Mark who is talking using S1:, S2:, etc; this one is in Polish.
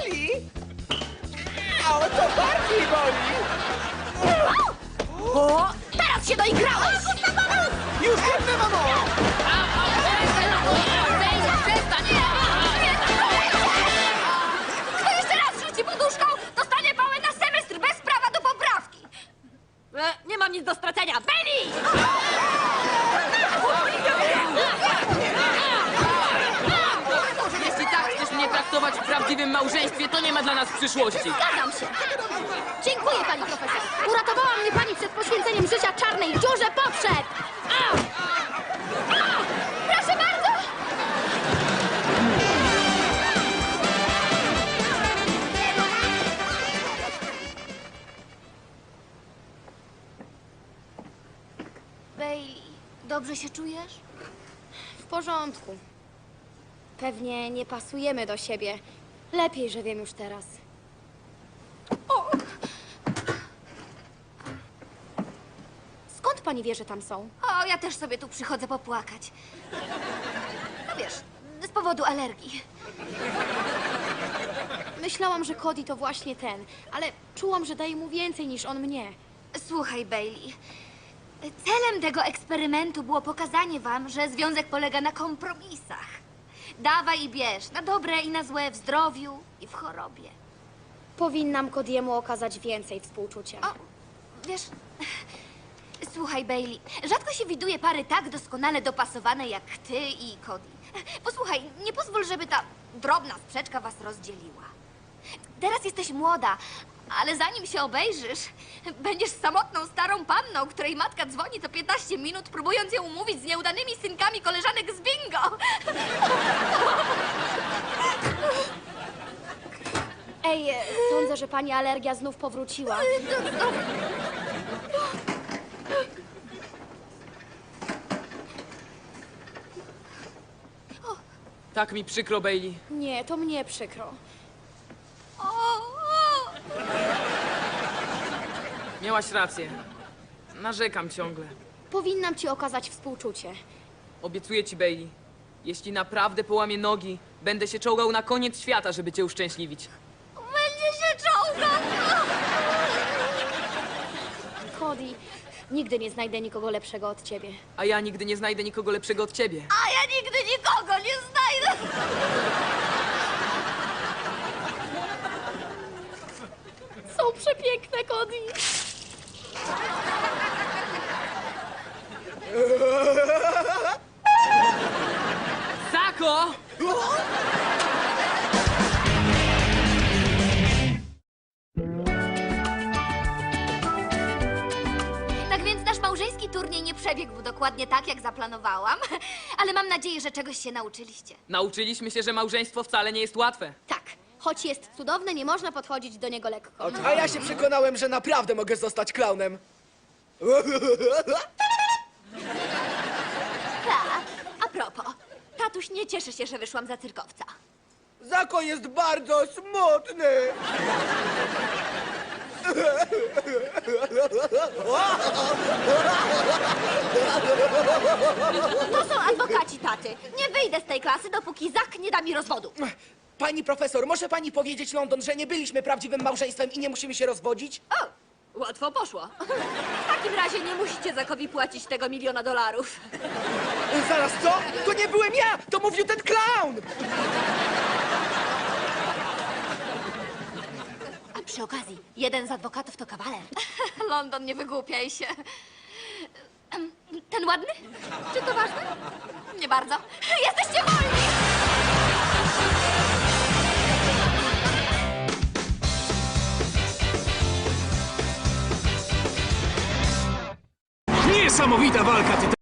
S1: boli? O, to bardziej boli!
S2: O, teraz się doigrałeś!
S1: Już biegnę, mamo!
S2: Kto jeszcze raz rzuci poduszką, dostanie pałę na semestr bez prawa do poprawki! Nie mam nic do stracenia. Bailey!
S3: Jeśli tak chcesz mnie traktować w prawdziwym małżeństwie, to nie ma dla nas przyszłości.
S2: Zgadzam się. Dziękuję, pani profesor. Uratowała mnie pani przed poświęceniem życia czarnej dziurze potrzeb. Au! Au! Proszę bardzo! Bailey, dobrze się czujesz?
S4: W porządku. Pewnie nie pasujemy do siebie. Lepiej, że wiem już teraz. Skąd pani wie, że tam są?
S2: O, ja też sobie tu przychodzę popłakać. No wiesz, z powodu alergii.
S4: Myślałam, że Cody to właśnie ten, ale czułam, że daje mu więcej niż on mnie.
S2: Słuchaj, Bailey. Celem tego eksperymentu było pokazanie wam, że związek polega na kompromisach. Dawaj i bierz, na dobre i na złe, w zdrowiu i w chorobie.
S4: Powinnam Cody'emu okazać więcej współczucia.
S2: O, wiesz... Słuchaj, Bailey, rzadko się widuje pary tak doskonale dopasowane jak ty i Cody. Posłuchaj, nie pozwól, żeby ta drobna sprzeczka was rozdzieliła. Teraz jesteś młoda, ale zanim się obejrzysz, będziesz samotną starą panną, której matka dzwoni co 15 minut, próbując ją umówić z nieudanymi synkami koleżanek z bingo.
S4: Ej, sądzę, że pani alergia znów powróciła.
S3: Tak mi przykro, Bailey.
S4: Nie, to mnie przykro.
S3: Miałaś rację. Narzekam ciągle.
S4: Powinnam ci okazać współczucie.
S3: Obiecuję ci, Bailey. Jeśli naprawdę połamię nogi, będę się czołgał na koniec świata, żeby cię uszczęśliwić.
S2: Będzie się czołgał.
S4: Cody, nigdy nie znajdę nikogo lepszego od ciebie.
S3: A ja nigdy nie znajdę nikogo lepszego od ciebie.
S2: A ja nigdy nikogo nie znajdę.
S4: Są przepiękne, Cody.
S3: Sako!
S2: Tak więc nasz małżeński turniej nie przebiegł dokładnie tak, jak zaplanowałam, ale mam nadzieję, że czegoś się nauczyliście.
S3: Nauczyliśmy się, że małżeństwo wcale nie jest łatwe.
S4: Tak, choć jest cudowny, nie można podchodzić do niego lekko.
S1: A ja się przekonałem, że naprawdę mogę zostać klaunem.
S2: Tak, a propos, tatuś nie cieszy się, że wyszłam za cyrkowca.
S1: Zako jest bardzo smutny.
S2: To są adwokaci taty. Nie wyjdę z tej klasy, dopóki Zak nie da mi rozwodu.
S1: Pani profesor, może pani powiedzieć London, że nie byliśmy prawdziwym małżeństwem i nie musimy się rozwodzić?
S2: O, łatwo poszło. W takim razie nie musicie Zakowi płacić tego $1 000 000.
S1: Zaraz, co? To nie byłem ja! To mówił ten klaun!
S2: A przy okazji, jeden z adwokatów to kawaler. London, nie wygłupiaj się. Ten ładny? Czy to ważne? Nie bardzo. Jesteście wolni!
S5: Niesamowita walka tytanów.